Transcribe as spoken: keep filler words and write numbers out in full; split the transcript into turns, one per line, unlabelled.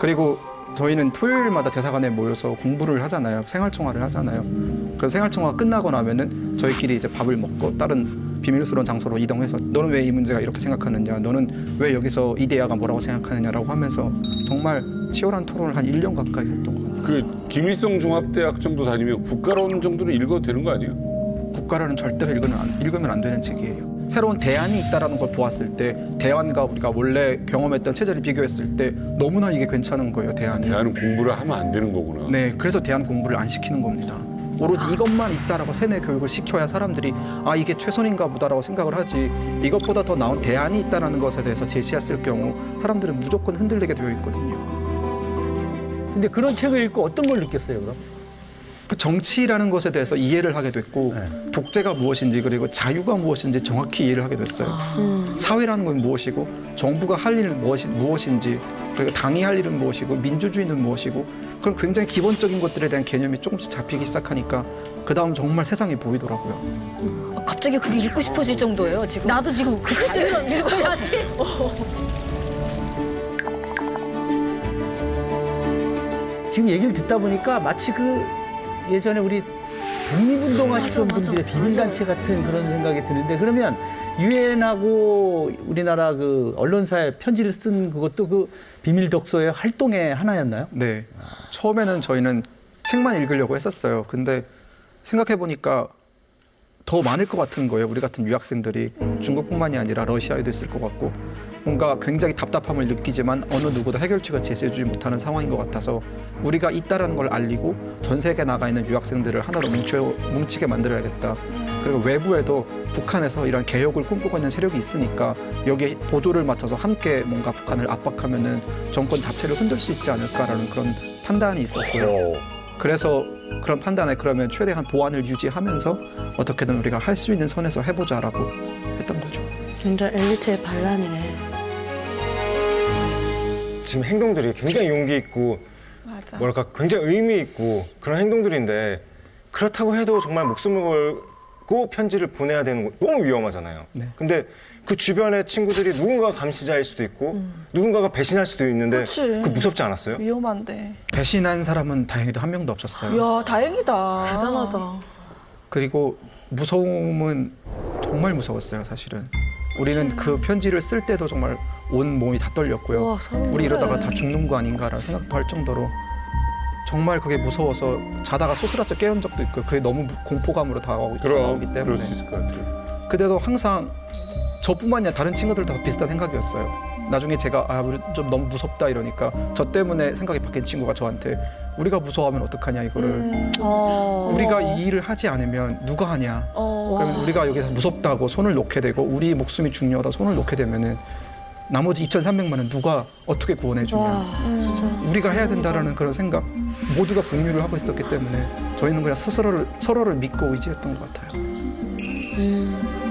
그리고 저희는 토요일마다 대사관에 모여서 공부를 하잖아요. 생활청화를 하잖아요. 그래서 생활청화가 끝나고 나면은 저희끼리 이제 밥을 먹고 다른 비밀스러운 장소로 이동해서 너는 왜 이 문제가 이렇게 생각하느냐, 너는 왜 여기서 이 대화가 뭐라고 생각하느냐라고 하면서 정말 치열한 토론을 한 일 년 가까이 했던 것 같아요.
그 김일성 종합대학 정도 다니면 국가론 정도는 읽어도 되는 거 아니에요?
국가라는 절대로 읽으면 안, 읽으면 안 되는 책이에요. 새로운 대안이 있다는 걸 보았을 때 대안과 우리가 원래 경험했던 체제를 비교했을 때 너무나 이게 괜찮은 거예요, 대안이.
대안은 공부를 하면 안 되는 거구나.
네, 그래서 대안 공부를 안 시키는 겁니다. 오로지 이것만 있다라고 세뇌 교육을 시켜야 사람들이 아 이게 최선인가 보다라고 생각을 하지, 이것보다 더 나은 대안이 있다는 것에 대해서 제시했을 경우 사람들은 무조건 흔들리게 되어 있거든요.
근데 그런 책을 읽고 어떤 걸 느꼈어요, 그럼?
그 정치라는 것에 대해서 이해를 하게 됐고
네.
독재가 무엇인지 그리고 자유가 무엇인지 정확히 이해를 하게 됐어요.
음.
사회라는 건 무엇이고 정부가 할 일은 무엇이, 무엇인지 그리고 당이 할 일은 무엇이고 민주주의는 무엇이고 그런 굉장히 기본적인 것들에 대한 개념이 조금씩 잡히기 시작하니까 그 다음 정말 세상이 보이더라고요.
아, 갑자기 그게 읽고 싶어질 정도예요, 지금. 나도 지금 그까지 읽어야지.
지금 얘기를 듣다 보니까 마치 그 예전에 우리 독립운동 하시던
맞아, 맞아.
분들의 비밀단체 같은 그런 생각이 드는데, 그러면 유엔하고 우리나라 그 언론사에 편지를 쓴 그것도 그 비밀 독서의 활동의 하나였나요?
네. 처음에는 저희는 책만 읽으려고 했었어요. 근데 생각해보니까 더 많을 것 같은 거예요. 우리 같은 유학생들이 중국뿐만이 아니라 러시아에도 있을 것 같고 뭔가 굉장히 답답함을 느끼지만 어느 누구도 해결책을 제시해주지 못하는 상황인 것 같아서 우리가 있다라는 걸 알리고 전 세계에 나가 있는 유학생들을 하나로 뭉쳐, 뭉치게 만들어야겠다. 그리고 외부에도 북한에서 이런 개혁을 꿈꾸고 있는 세력이 있으니까 여기에 보조를 맞춰서 함께 뭔가 북한을 압박하면은 정권 자체를 흔들 수 있지 않을까라는 그런 판단이 있었고요. 그래서 그런 판단에 그러면 최대한 보안을 유지하면서 어떻게든 우리가 할 수 있는 선에서 해보자라고 했던 거죠.
완전 엘리트의 반란이네.
지금 행동들이 굉장히 용기 있고
맞아.
뭐랄까 굉장히 의미 있고 그런 행동들인데, 그렇다고 해도 정말 목숨을 걸고 편지를 보내야 되는 거 너무 위험하잖아요.
네.
근데 그 주변의 친구들이 누군가가 감시자일 수도 있고 누군가가 배신할 수도 있는데
그치.
그 무섭지 않았어요?
위험한데.
배신한 사람은 다행히도 한 명도 없었어요.
이야, 다행이다.
대단하다.
그리고 무서움은 정말 무서웠어요, 사실은. 우리는 그 편지를 쓸 때도 정말 온 몸이 다 떨렸고요.
우와, 소름
우리 이러다가
돋아요.
다 죽는 거 아닌가라는 생각도 할 정도로 정말 그게 무서워서 자다가 소스라쳐 깨운 적도 있고 그게 너무 공포감으로 다가오기,
그럼
다가오기
그럴
때문에.
수 있을 것 같아요.
그때도 항상 저뿐만 아니라 다른 친구들도 다 비슷한 생각이었어요. 나중에 제가 아, 우리 좀 너무 무섭다 이러니까 저 때문에 생각이 바뀐 친구가 저한테 우리가 무서워하면 어떡하냐 이거를.
음.
어.
우리가 이 일을 하지 않으면 누가 하냐.
어.
그러면 우리가 여기서 무섭다고 손을 놓게 되고 우리 목숨이 중요하다 손을 놓게 되면은 나머지 이천삼백만은 누가 어떻게 구원해 주냐.
와,
음.
진짜.
우리가 해야 된다라는 그런 생각 모두가 공유를 하고 있었기 때문에 저희는 그냥 스스로를 서로를 믿고 의지했던 것 같아요.
음.